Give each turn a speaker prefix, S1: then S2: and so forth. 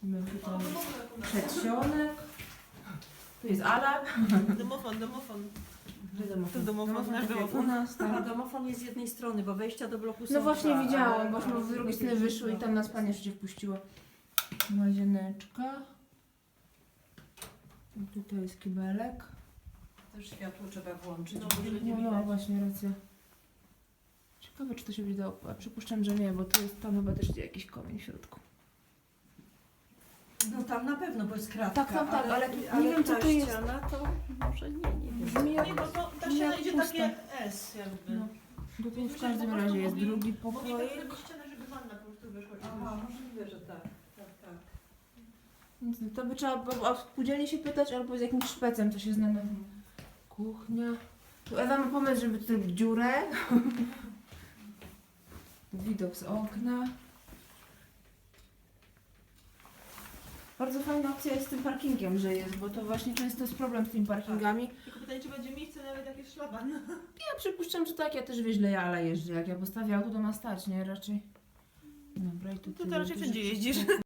S1: Mamy tutaj przedsionek. Tu jest Ala.
S2: Domofon.
S1: To
S2: domofon, nasz
S1: tak jak
S2: domofon.
S1: u nas,
S3: A
S1: tak.
S3: domofon jest z jednej strony, bo wejścia do bloku są
S1: No właśnie
S3: dwa,
S1: widziałam,
S3: ale-
S1: bośmy z drugiej strony wyszły i tam nas pani jeszcze wpuściła. Łazieneczka. I tutaj jest kibelek.
S3: Też światło trzeba włączyć.
S2: No,
S3: bo
S2: żeby
S3: nie
S1: No,
S3: widać.
S1: no właśnie, racja. Ciekawe, czy to się będzie dało. A przypuszczam, że nie, bo tu jest tam chyba też jakiś komin w środku.
S3: No tam na pewno, bo jest kratka.
S1: Tak, ale tu nie wiem, co
S3: ta
S1: to jest.
S3: ściana to może nie wiem.
S1: Brzmi jak...
S2: Nie, bo to ta
S1: Jak
S2: ściana idzie
S1: pusta.
S2: takie S jakby.
S1: No. Tutaj w każdym razie jest drugi pokoik.
S2: Mogli tak zrobić ścianę, żeby wanna po prostu wyszła.
S3: Aha, możliwe, że tak. Tak.
S1: Więc to by trzeba było o spółdzielni się pytać albo z jakimś szpecem, co się zna na kuchnia. Tu Ewa ma pomysł, żeby tu zrobić dziurę. Widok z okna. Bardzo fajna opcja jest z tym parkingiem, że jest, bo to właśnie często jest problem z tymi parkingami.
S2: Tylko pytanie, czy będzie miejsce nawet jak jest szlaban.
S1: Ja przypuszczam, że tak, ja też źle ale jeżdżę. Jak ja postawię auto, to ma stać, nie? Raczej. Dobra, i tu
S2: To raczej wszędzie jeździsz.